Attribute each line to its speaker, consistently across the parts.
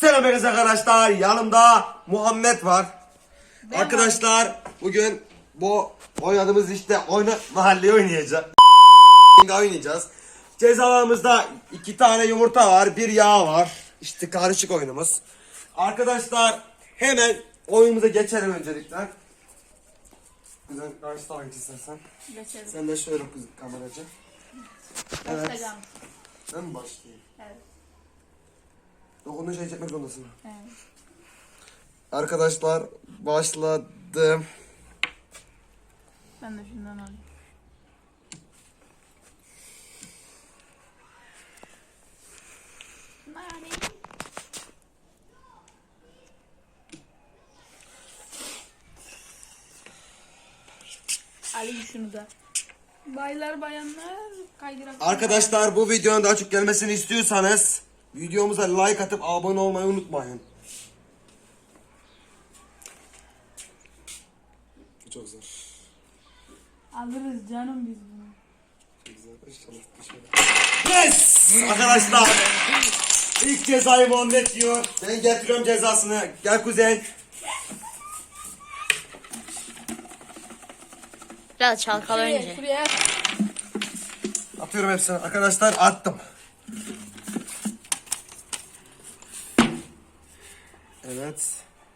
Speaker 1: Selam herkese arkadaşlar. Yanımda Muhammed var.
Speaker 2: Ben
Speaker 1: Arkadaşlar bugün bu oynadığımız işte mahalle oynayacağız. Oynayacağız. Cezalarımızda 2 tane yumurta var, 1 yağ var. İşte karışık oyunumuz. Arkadaşlar hemen oyunumuza geçelim öncelikle. Güzel karşı takip istersen.
Speaker 2: Geçelim.
Speaker 1: Sen de şöyle kız kameracı. Evet.
Speaker 2: Başlayalım.
Speaker 1: Ben mi başlayayım?
Speaker 2: Evet.
Speaker 1: Dokunduğun şey çekmek zorundasın.
Speaker 2: Evet.
Speaker 1: Arkadaşlar başladım.
Speaker 2: Ben de şundan alayım. Nane. Alayım şunu da. Baylar bayanlar kaydırak.
Speaker 1: Arkadaşlar bu videonun daha çok gelmesini istiyorsanız videomuza like atıp abone olmayı unutmayın. Çok zor.
Speaker 2: Alırız canım biz bunu.
Speaker 1: Yes! Arkadaşlar ilk cezayı Muhammed diyor. Ben getiriyorum cezasını. Gel Kuzey.
Speaker 3: Biraz çalkala önce.
Speaker 2: Şuraya.
Speaker 1: Atıyorum hepsini. Arkadaşlar attım. Evet.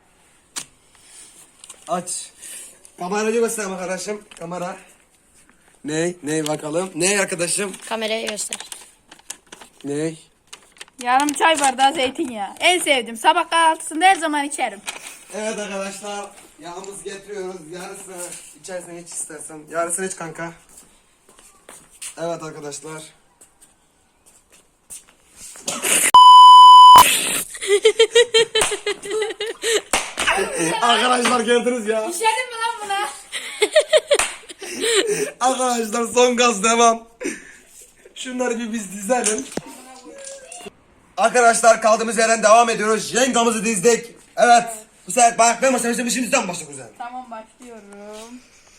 Speaker 1: Aç. Kamerayı göster arkadaşım. Kamera. Ney bakalım. Ney arkadaşım?
Speaker 3: Kameraya göster.
Speaker 1: Ney?
Speaker 2: Yarım çay bardağı zeytinyağı. En sevdiğim. Sabah kahvaltısında her zaman içerim.
Speaker 1: Evet arkadaşlar. Yağımızı getiriyoruz. Yarısını içersen hiç istersen. Yarısını iç kanka. Evet arkadaşlar. Arkadaşlar gördünüz ya.
Speaker 2: İçerim mi lan buna?
Speaker 1: Arkadaşlar son gaz devam. Şunları bir biz dizelim. Arkadaşlar kaldığımız yerden devam ediyoruz. Yengamızı dizdik. Evet. Bu sefer bak ben başlamıştım. Şimdiden başla güzel.
Speaker 2: Tamam başlıyorum.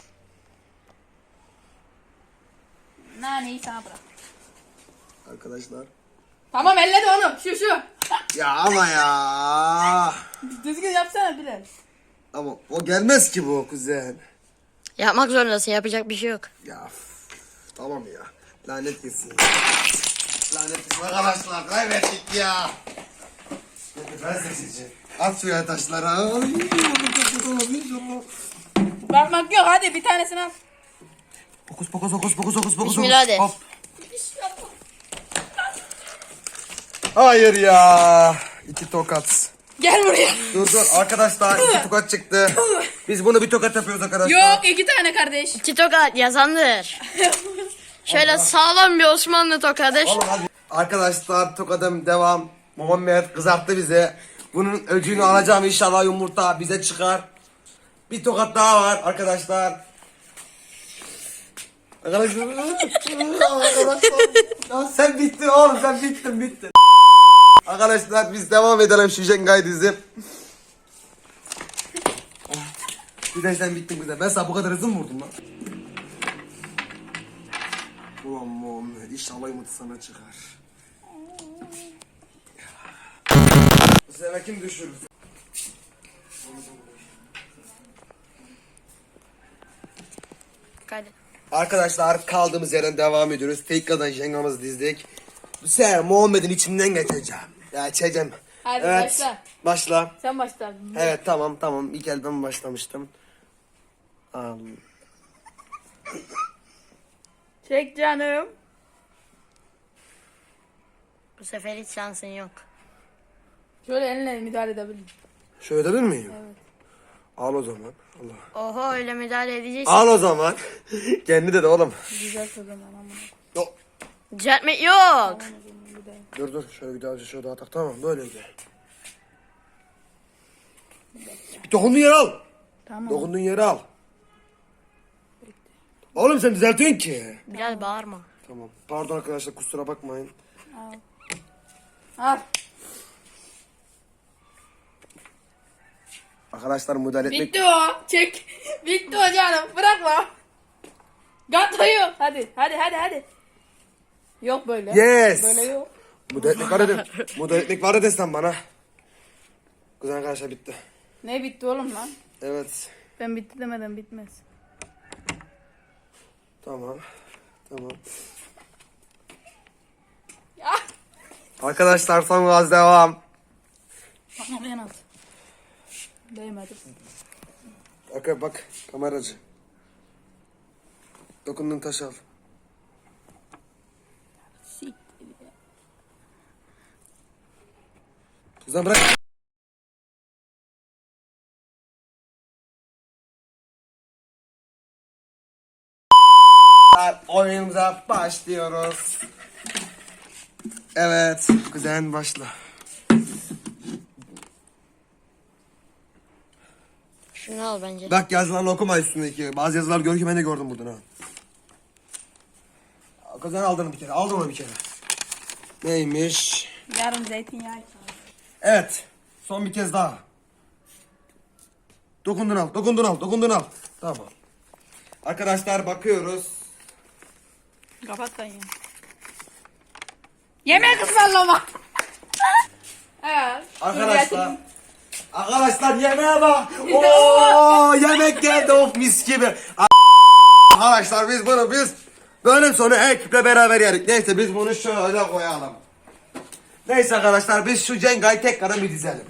Speaker 2: Naneyi sana bırak.
Speaker 1: Arkadaşlar.
Speaker 2: Tamam elle de onu. Şu.
Speaker 1: Ya ama ya.
Speaker 2: Düzgün yapsana Bilal.
Speaker 1: Ama o gelmez ki bu kuzen.
Speaker 3: Yapmak zorundasın. Yapacak bir şey yok.
Speaker 1: Ya tamam ya. Lanet gitsin. Lanet gitsin arkadaşlar. Kaybettik ya. Ben seçeceğim. At şuraya taşlara. Ay, çok kötü oldu inşallah.
Speaker 2: Bakmak yok hadi bir tanesini al.
Speaker 1: Fokus.
Speaker 3: Bismillah de.
Speaker 1: Hop. Hayır ya. 2 tokat.
Speaker 2: Gel buraya.
Speaker 1: Dur arkadaşlar 2 tokat çıktı. Biz bunu bir tokat yapıyoruz arkadaşlar.
Speaker 2: Yok 2 tane kardeş.
Speaker 3: İki tokat yazandır. Şöyle sağlam bir Osmanlı tokadır.
Speaker 1: Oğlum hadi. Arkadaşlar tokadım devam. Muhammed kızarttı bize. Bunun öcünü alacağım inşallah yumurta bize çıkar. Bir tokat daha var arkadaşlar. Arkadaşlar. Ya sen bittin oğlum sen bittin. Arkadaşlar biz devam edelim şu Jengai dizi. Bir de sen bittin güzel. Ben sana bu kadar hızlı mı vurdum lan? Ulan Muhammed inşallah yumurta sana çıkar. Bu sefer kim düşürür?
Speaker 3: Hadi.
Speaker 1: Arkadaşlar kaldığımız yerden devam ediyoruz. Tekrardan Jenga'mızı dizdik. Bu sefer Muhammed'in içinden geçeceğim. Ya içeceğim.
Speaker 2: Hadi
Speaker 1: Evet.
Speaker 2: başla.
Speaker 1: Başla.
Speaker 2: Sen başla.
Speaker 1: Evet tamam. İlk elden başlamıştım.
Speaker 2: Çek canım.
Speaker 3: Bu sefer hiç şansın yok.
Speaker 2: Şöyle elinle müdahale edebilirim.
Speaker 1: Şöyle edebilir miyim?
Speaker 2: Evet.
Speaker 1: Al o zaman. Allah.
Speaker 3: Oho öyle müdahale edeceksin.
Speaker 1: Al o zaman. Kendi dedi oğlum.
Speaker 2: Güzel o zaman ama.
Speaker 1: Yo.
Speaker 3: Düzeltmek yok.
Speaker 1: Dur şöyle bir daha şöyle daha tak tamam böyleydi. Dokunduğun yeri al.
Speaker 2: Tamam.
Speaker 1: Dokunduğun yeri al. Oğlum sen düzeltiyorsun ki.
Speaker 3: Biraz bağırma.
Speaker 1: Tamam. Pardon arkadaşlar kusura bakmayın.
Speaker 2: Al.
Speaker 1: Arkadaşlar müdahale etmek...
Speaker 2: Bitti o. Çek. Bitti o canım. Bırakma. Gatoyu. Hadi. Yok böyle.
Speaker 1: Yes.
Speaker 2: Böyle yok.
Speaker 1: Müdahale etmek var ya desem bana. Güzel arkadaşlar bitti.
Speaker 2: Ne bitti oğlum lan?
Speaker 1: Evet.
Speaker 2: Ben bitti demeden bitmez.
Speaker 1: Tamam. Tamam.
Speaker 2: Ya.
Speaker 1: Arkadaşlar son gaz devam.
Speaker 2: Bana en az. Değmedi.
Speaker 1: Bak kameracı. Dokunduğun taşı al.
Speaker 2: Siktir ya.
Speaker 1: Kızdan bırak. Oyunumuza başlıyoruz. Evet, kuzen başla.
Speaker 3: Şunu al bence.
Speaker 1: Bak yazılarını okuma üstündeki. Bazı yazılar gör ki ben de gördüm buradan ha. Kuzen aldın bir kere, aldın onu bir kere. Neymiş?
Speaker 2: Yarın zeytinyağı.
Speaker 1: Evet, son bir kez daha. Dokundun al. Tamam. Arkadaşlar bakıyoruz.
Speaker 2: Kapat da ya. Yemek ısmarlama. Evet.
Speaker 1: Arkadaşlar yemeğe bak. Oo yemek geldi of mis gibi. Arkadaşlar biz bölüm sonu ekiple beraber yedik. Neyse biz bunu şöyle koyalım. Neyse arkadaşlar biz şu Cenga'yı tekrar bir dizelim.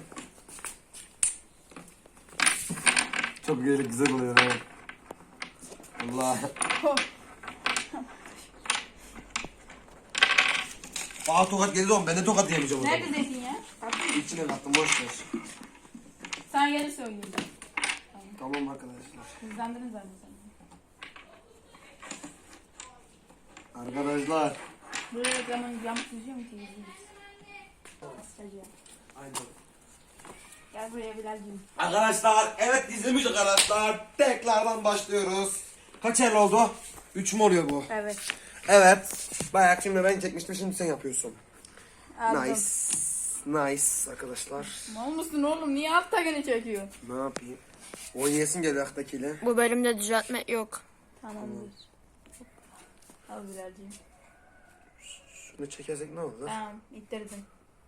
Speaker 1: Çok güzel oluyor ha. Allah. Aa tokat geldi oğlum ben de tokat yemeyeceğim o zaman.
Speaker 2: Nerede zeytinyağı?
Speaker 1: İçine kattım boş ver.
Speaker 2: Sen gelirse oynayayım.
Speaker 1: Tamam arkadaşlar.
Speaker 2: Hızlandırın zaten sen.
Speaker 1: Arkadaşlar.
Speaker 2: Böyle reklamın yamuk yüzüyor mu ki yüzüyoruz? Asacağım.
Speaker 1: Aynen.
Speaker 2: Gel buraya Bilal'cim.
Speaker 1: Arkadaşlar evet dizilmiş arkadaşlar. Tekrardan başlıyoruz. Kaç el oldu? 3 mü oluyor bu?
Speaker 2: Evet.
Speaker 1: Evet. Bayağı şimdi ben çekmiştim şimdi sen yapıyorsun.
Speaker 2: Aldım.
Speaker 1: Nice arkadaşlar.
Speaker 2: Mal mısın oğlum? Niye altta gene çekiyor?
Speaker 1: Ne yapayım? Oynayasın geliyor aktakiyle.
Speaker 3: Bu bölümde düzeltme yok.
Speaker 2: Tamamdır. Al Bilal'cim.
Speaker 1: Şunu çekersek ne olur?
Speaker 2: Tamam. İttirdim.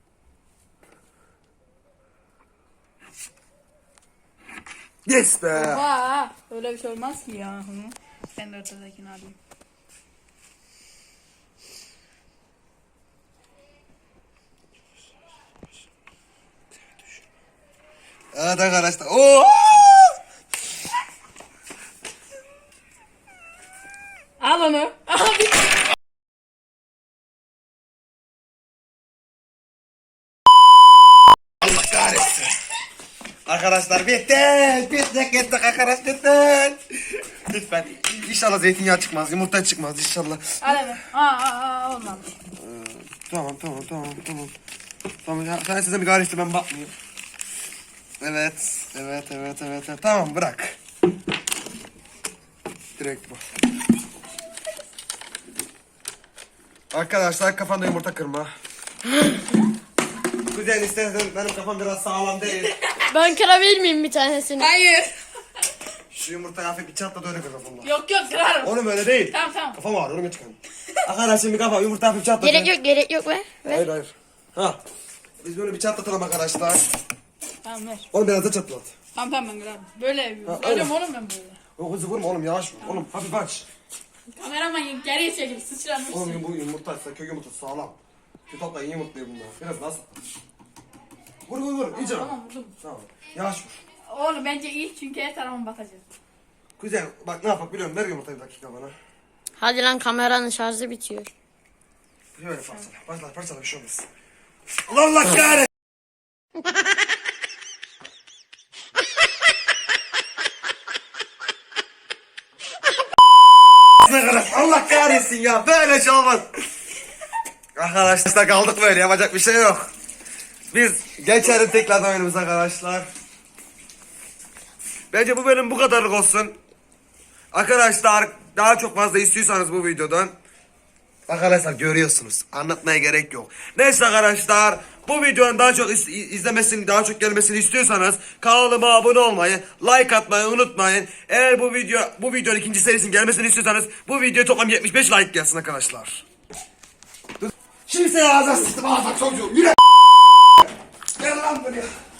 Speaker 1: Yes be.
Speaker 2: Vaa! Öyle bir şey olmaz ki ya. Hı. Ben de ortadakini alayım.
Speaker 1: Evet arkadaşlar. Oo!
Speaker 2: Al onu. Al bir.
Speaker 1: Allah kahretsin. Arkadaşlar bittik arkadaşlar. Lütfen inşallah zeytinyağı çıkmaz, yumurta çıkmaz inşallah.
Speaker 2: Al hemen. Olmamış.
Speaker 1: Tamam. Tamam ya sen size bir gayret ben bakmayayım. Evet. Tamam bırak. Direkt bu. Arkadaşlar kafanda yumurta kırma. Kuzen istersen benim kafam biraz sağlam değil.
Speaker 3: Ben kırabilir miyim bir tanesini?
Speaker 2: Hayır.
Speaker 1: Şu yumurtayı hafif bir çatla da öyle kır kafamda.
Speaker 2: Yok kırarım.
Speaker 1: Oğlum öyle değil.
Speaker 2: Tamam.
Speaker 1: Kafam ağrıyor onu çıkan. Arkadaşlar bir kafa yumurta hafif çatla.
Speaker 3: Gerek yok be.
Speaker 1: Hayır. Ha. Biz böyle bir çatlatalım arkadaşlar.
Speaker 2: Tamam ver.
Speaker 1: Oğlum biraz da çatlat.
Speaker 2: Tamam ben kırarım. Böyle yapıyorum.
Speaker 1: Ha,
Speaker 2: Söylüyorum
Speaker 1: öyle.
Speaker 2: oğlum ben böyle.
Speaker 1: O hızlı vurma oğlum yavaş vur. Oğlum hafif aç.
Speaker 2: Kameraman geriye çekil. Sıçramışsın.
Speaker 1: Oğlum bu yumurta kök yumurtası sağlam. Şu topla iyi yumurtluyor bunlar. Biraz daha sağlam. Vur iyice.
Speaker 2: Tamam vurdum.
Speaker 1: Tamam. Yavaş vur.
Speaker 2: Oğlum bence iyi çünkü her tarafıma bakacağız.
Speaker 1: Kuzen bak ne yapak biliyorum ver yumurtayı bir dakika bana.
Speaker 3: Hadi lan kameranın şarjı bitiyor.
Speaker 1: Böyle parçala bir şey olmaz. Allah kahretsin. Allah kahretsin ya böyle şey olmaz. Arkadaşlar kaldık böyle yapacak bir şey yok. Biz geçelim tekrardan oyunumuza arkadaşlar. Bence bu bölüm bu kadarlık olsun. Arkadaşlar daha çok fazla istiyorsanız bu videodan. Arkadaşlar görüyorsunuz. Anlatmaya gerek yok. Neyse arkadaşlar bu videonun daha çok izlemesini, daha çok gelmesini istiyorsanız kanalıma abone olmayı, like atmayı unutmayın. Eğer bu videonun ikinci serisinin gelmesini istiyorsanız bu video toplam 75 like gelsin arkadaşlar. Şimdi seni ağzına sıktım ağzına çocuğum. Yürü. Gel lan buraya.